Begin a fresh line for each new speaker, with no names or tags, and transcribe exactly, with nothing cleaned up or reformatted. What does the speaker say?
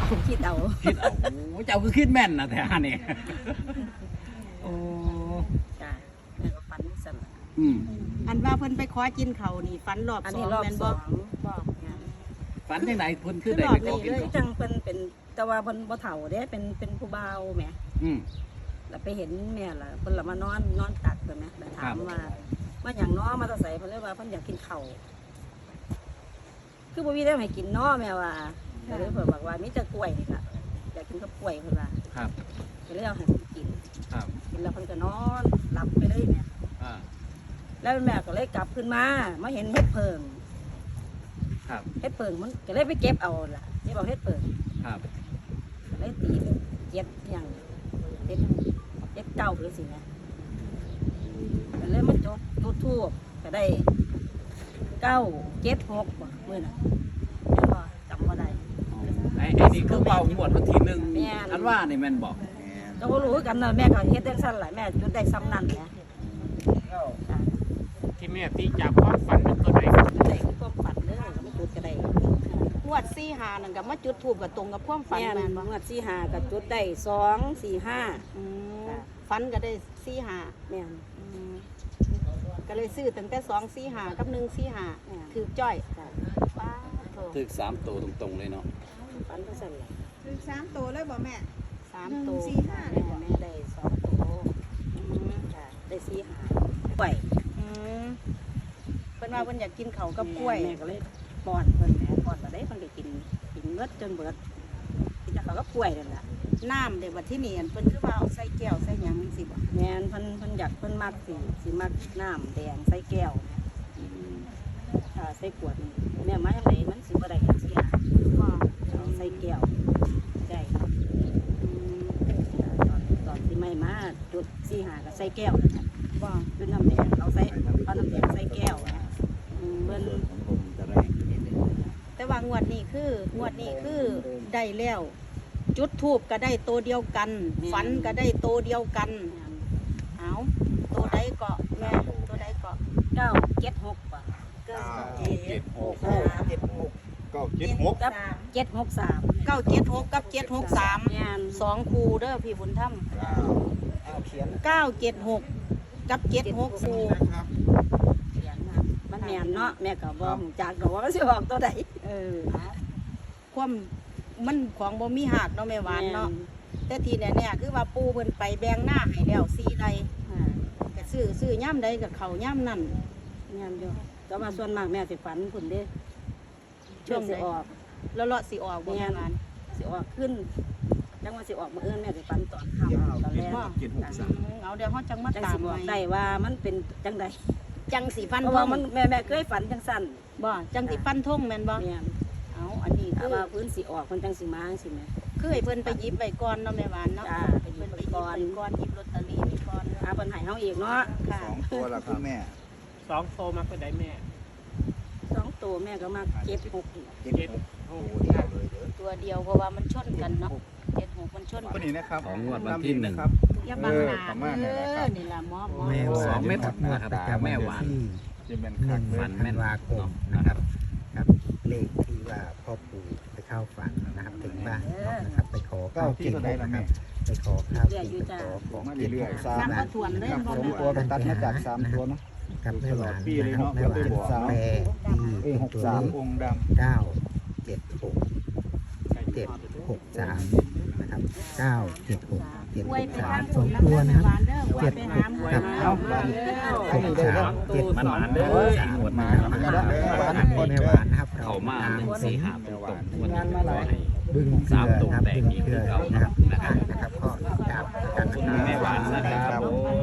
คิดเอา
คิดเอาโอ้เจ้าคือคิดแม่นนะแท้นี่โอ้
จ้ะแม่ก็ฝันสั่น
อืม
อันว่าเพิ่นไปขอกินเขาวนี่ฝันรอบ
อัน
สอ
นี้
ง
รอบ
แม่น
ส
บ่
องบอกงาน
ฝันจังไดเพิ่นคือ
คือ
ได้
รอ
ไป
บ
ขอ
นี้
กิน
เลย
เขา
จังเพิ่นเป็นแต่ว่าเพิ่นบ่เฒ่าเด้เป็นเป็นผู้บ่าวแหม
อืม
แล้วไปเห็นแม่ล่ะเพิ่นละมานอนนอนตักเพิ่นแหมแล้วถามว่าว่าหยังน้อมาแตะไสเพิ่นเลยว่าเพิ่นอยากกินข้าวคือบ่มีแนวให้กินน้อแม่ว่าก็เลยเพิ่นบอกว่ามีแต่กล้วยนี่ล่ะอยากกินกับกล้วยเพิ่นว่า
ครับ
ก็เลยเอาให้เพิ่นกิน
ครับ
กินแล้วเพิ่นก็นอนหลับไปเลยแม่
อ่า
แล้วแม่ก็เลยกลับขึ้นมามาเห็นเฮ็ดเพิง
ครับ
เฮ็ดเพิงมันก็เลยไปเก็บเอาล่ะนี่บอกเฮ็ดเพิง
ครับ
ก็เลยตีเป็นเจ็ดอย่างเจ็ดเจ็ดเก้าหรือสินะก็เลยมาจบจุดทูบก็ได้เก้าเจ็ดหกบ่เมื่อน่ะแม่บ่จำบ่ได้
ไอ้ไอ้นี่คือเป่าหมวดวันที่หนึ่ง
แม่น
อันว่านี่แม่นบอก
ก็บ่รู้กันนะแม่ก็เฮ็ดจังซั่นแหละแม่จุดได้ซ้ำนั่นแหละจ้ะ
ที่แม่ตีจากความฝันมันตัวไหน
จุดได้คือความฝันเด้อก็ไม่จุดก็ได้
งวดสี่หานั่นก็มาจุดธูปก็ตรงกับความฝัน
แม่
แม่น
น
บ่
งวดสี่ห้าก็จุดได้สองสี่ห้า
อืม
จ้ะ
ฝันก็ได้สี่หา
แม่น
อืมก็เลยซื้อตั้งแต่สองสี่หากับหนึ่งสี่หา
แม่น
ถือจ้อย
จ้ะ
ว้าโถ
ถึกสามตัวตรงๆเลยเนาะ
ฝันจังซั่นแหละ
คือสามตัวเลยบ่แม่
สาม
หนึ่ง
ตัว
สี่ห้า
แม่แม่ได้สองโต
อืม
จ้ะได้สี่ห้าไหว
อืมเพิ่นว่าเพิ่นอยากกินเขาวกับกล้วย
แม่ก็เลยป้อนเพิ่นแม่ป้อนมาได้เพิ่นก็กินกินเบิดจนเบิดกินแต่เขาก็กล้วยนั่นแหละ
น้ำเดี๋ยวบัดที่นี่อันเพิ่นคือว่าเอาใส่แก้วใส่หยังจังซี่บ่
แม่นเพิ่นเพิ่นอยากเพิ่นมักสิสิมักน้ำแดงใส่แก้วถ้าใส่ขวดนี่แม่มาจังไดมันสิบ่ได้จังซี่ล่ะ
บ่
เอาใส่แก้วได้อืมตอนตอนที่ไม่มาจุดสี่ห้าก็ใส่แก้วนั่นแหละ
บ่
เป็นน้ำแดงเอาใส่เอาน้ำแดงใส่แก้วอืมเพิ่น
แต่ว่างวดนี้คืองวดนี้คือได้แล้ว จุดทูบก็ได้ตัวเดียวกัน ฝันก็ได้ตัวเดียวกัน เอาตัวใดเกาะแม่ตัวใดเกาะ
เก้าเจ็ดหกป่ะ
เก้า
เจ็ดหกเจ็ดหกเก้าเจ็ดหก
กับเจ็ดหกสาม
เก้าเจ็ดหกกับเจ็ดหกสาม
งาน
สองคูเด้อพี่บุญธรรม
เขียน
เก้าเจ็ดหกกับเจ็ดหกคู
นะครับ
มันแมนเนาะแม่ก็บอกจากดอกว่ามันสิออกตัวใด
เออความมันของบ่มีหักเนาะแม่หวานเนาะแต่ทีเนี่ยเนี่ยคือว่าปูเพิ่นไปแบ่งหน้าให้แล้วสี่ใด
อ่า
ก็ซื้อซื้อย่ำใดกับเขาย่ำนั่น
งานอยู่แต่ว่าส่วนมากแม่สิฝันคุณเด้
ช่วง
สิ
ใด
ออก
แล้วเลาะสิออกบ่แม่หวาน
สิออกขึ้นจังว่าสิออกมาเอื้อนแม่สิฝันตอนค่ำตอนแรก
เจ็ดหกสาม
อืมเอาเดี๋ยวเฮาจังมา
จัง
ตา
สิ
ม
บอก
ใหม่
ได้ว่ามันเป็นจังใด
จังสีฟัน
เพราะ
ธ
ว่าง มันแม่แม่เคยฝันจังสั้น
บ่จังสีฟันทงแม่นบ่
แม่น
เอาอันนี้
ถ้า
คือ
ว่าพื้นสิออกมันจังสิมาจังสิแม่
คือให้เพิ่นไปหยิบไว้ก่อนเนาะแม่หวานเนาะ
จ้าไปหยิ
เพิ่
บ
น
ไป
ไปหยิบ
ก่อน
ไว้ก่อนหยิบลอตเตอรี่ไว้ก่อน
หาปัญหาเฮาอีกเนาะ
ค่ะ
สองตัวละคุณแม่
สองโตมาตัวไหนแม่
สองตัวแม่ก็มาเก็บหกนี่
เจ็ดหกตัวเดียวเลยเด้อ
ตัวเดียวเพราะว่ามันชนกันเนาะเจ็ดหกมันชน
คนนี้นะครับ
ของงวดวันที่หนึ่ง
ครับ
อย่าบังหน้า
เออประมาณนั้
เด้
นแหละค
อ
รับ
นี่ล่ะหมอหมอ
แม่หวาน
สองเม็ด
ครับ
นะครับ
ประจำ
แม่
วัน
หวาน
ที่
จะเป็น
ห
คั
นึ่
ก
ง
เลย
ธันวาคมนะครับครับเลขที่ว่าพ่อปู่ไปเข้าฝันนะครับถึงบ้านนะครับไปขอ
เก้าที่ตัวไหนล่ะ
นะค
แม่
รับไปขอข้าวกินไปขอของ
มา
กิน
เรื่อยๆสาม
น้ำก็ถ่วนเลย
ครับ
บ่
สอง
แม่ห
ตัว
วาน
ตัดมาจากสามตัวเนาะ
กับแม่หวาน
ปีเลย
นะครับ
เนาะ
แม่หวาน
เก้า
แปลที่
เอ้ยหก
ตัว
สาม
เลของ
ค์ด
เก้าเจ็ดหกเจ็ดหกสามนะครับเก้าเจ็ดหกเจ็ด
อ
ห
วย
ก
ไป
สา
ทาม ง
สอง
น้ำ
ตัว
แม่
นะครับ
หวานเด้ออวยไปหาหมวย
ครับ
มา
ำเอาหวาน
หกสามเจ็ด
มันหวานเด้ออีกหมวดมา
ก็ได้หวาน
แม่หวานนะครับ
เข้ามาหนึ่งสี่ห้าตรงๆวันนี้ขอให้
บึ้งเกลือนะครับบึ้งเกลือนะครับนะครับก็กราบกันนะครับ
แม่หวานนะครับผม